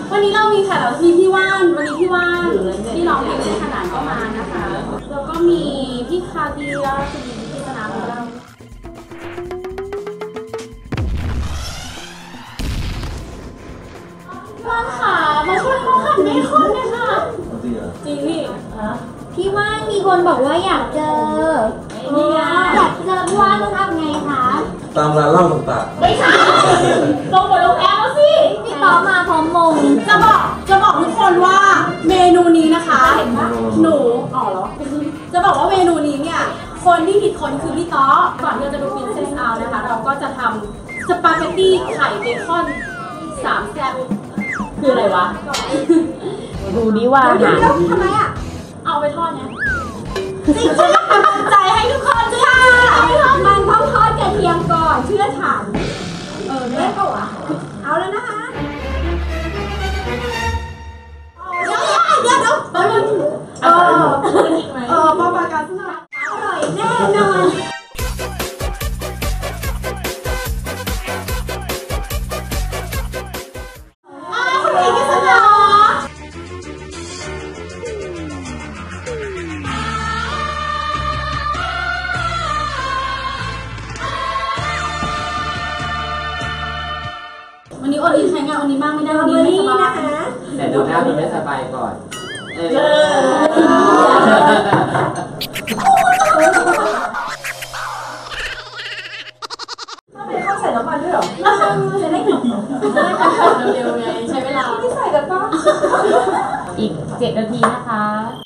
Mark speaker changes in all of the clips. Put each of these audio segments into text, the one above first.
Speaker 1: วันนี้เรามีแขกรับเชิญพี่ว่านวันนี้พี่ว่านที่ร้องเพลงในขนาดก็มานะคะแล้วก็มีพี่คาเดียคุณหญิงพิจารณาของเราว่านค่ะมาช่วยเขาหั่นเบคอนเลยค่ะจริงพี่
Speaker 2: พี่ว่านมีคนบอกว่าอยากเจออยากเจอพี่ว่านต้องทำไงคะ
Speaker 3: ตามร้านเหล้าต่างๆ
Speaker 1: ไม่ใช่ลงบนลงแอปแล้วสิ
Speaker 2: พี่ต่อมาพร้อมมง
Speaker 1: จะบอกทุกคนว่าเมนูนี้นะคะหนูอ๋อเหรอจะบอกว่าเมนูนี้เนี่ยคนที่ผิดคนคือพี่ต๊อก่อนที่เราจะดูฟินเซสเอานะคะเราก็จะทำสปาเกตตี้ไข่เบคอน3 แซ่บคืออะไรวะ
Speaker 2: ดูดิว่าทำไมอ่ะ
Speaker 1: เอาไปทอดเนี่ยจริงๆกำลังใจให้ทุกคนจ้า
Speaker 2: มันต้องทอดกระเทียมก่อนเชื่อฉันแม่ก็อ่ะเอาแล้วนะคะเดี๋ยว
Speaker 1: พอมาการสนับ
Speaker 2: อร่อยแน่นอน
Speaker 1: คุณหญิงพิษณาวันนี้โอลินใช้งานวันนี้มากไม่ได้วันนี้ไม่สบาย
Speaker 2: นะคะ
Speaker 4: แต่ดูหน้าคุณไม่สบายก่อน
Speaker 1: ถ้าเป็นข้าวใส่น้ำมันด้วยหรอจะได้หอมเร็วๆไงใช้เวลาไม่ใส่กันป่ะ
Speaker 2: อีก7 นาทีนะคะ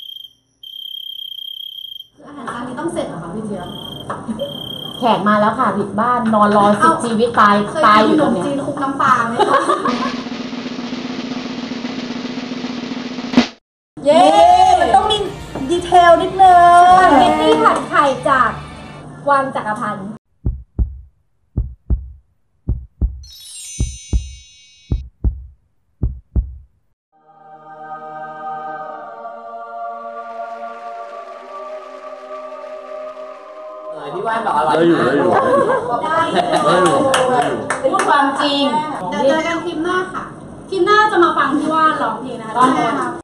Speaker 1: อาหารจานนี้ต้องเสร็จเหรอคะพี่เจี๊ยบ
Speaker 2: แขกมาแล้วค่ะผิดบ้านนอนรอ10 ชีวิตตายอยู่ตรงนี้
Speaker 1: จีนคลุกน้ำปลาไหมคะ
Speaker 2: เย้มันต้องมีดีเทลนิดนึงสปาเกตตี้ผัดไข่จากวังจักรพันธ์
Speaker 4: พี่ว่านบอกอร่อย
Speaker 3: ได้อยู่
Speaker 1: พูดความจริงเดี๋ยวเจอกันคลิปหน้าค่ะคลิปหน้าจะมาฟังพี่ว่านร้องเพลงนะคะ